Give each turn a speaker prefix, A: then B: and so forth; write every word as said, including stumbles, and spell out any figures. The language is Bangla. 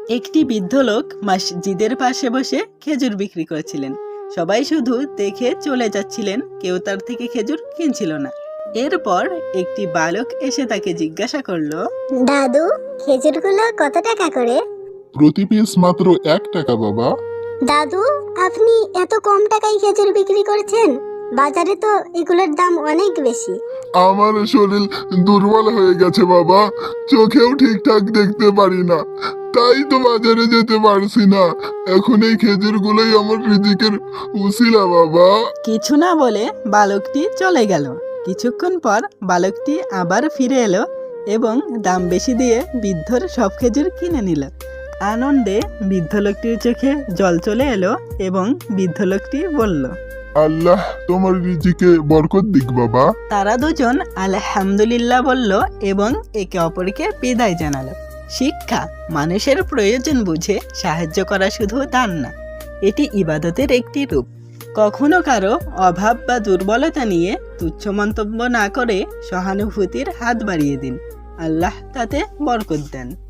A: একটি বৃদ্ধ লোক মসজিদের পাশে বসে খেজুর বিক্রি করছিলেন। সবাই শুধু দেখে চলে যাচ্ছিলেন, কেউ তার থেকে খেজুর কিনছিল না। এরপর একটি বালক এসে তাকে জিজ্ঞাসা করলো,
B: দাদু, খেজুরগুলো কত টাকা করে?
C: প্রতি পিস মাত্র এক টাকা বাবা।
B: দাদু, আপনি এত কম টাকায় খেজুর বিক্রি করছেন? বাজারে তো এগুলোর দাম অনেক বেশি।
C: আমার শরীর দুর্বল হয়ে গেছে বাবা, চোখেও ঠিকঠাক দেখতে পারি না, তাই তো বাজারে যেতে পারছি না। এখন এই খেজুরগুলোই আমার রিজিকের উসিলা বাবা।
A: কিছু না বলে বালকটি চলে গেল। কিছুক্ষণ পর বালকটি আবার ফিরে এলো এবং দাম বেশি দিয়ে বৃদ্ধর সব খেজুর কিনে নিল। আনন্দে বৃদ্ধ লোকটির চোখে জল চলে এলো এবং বৃদ্ধ লোকটি বলল,
C: আল্লাহ তোমার রিজিকে বরকত দিক বাবা।
A: তারা দুজন আলহামদুলিল্লাহ বলল এবং একে অপরকে বিদায় জানালো। শিক্ষা: মানুষের প্রয়োজন বুঝে সাহায্য করা শুধু দান না, এটি ইবাদতের একটি রূপ। কখনো কারো অভাব বা দুর্বলতা নিয়ে তুচ্ছ মন্তব্য না করে সহানুভূতির হাত বাড়িয়ে দিন, আল্লাহ তাতে বরকত দেন।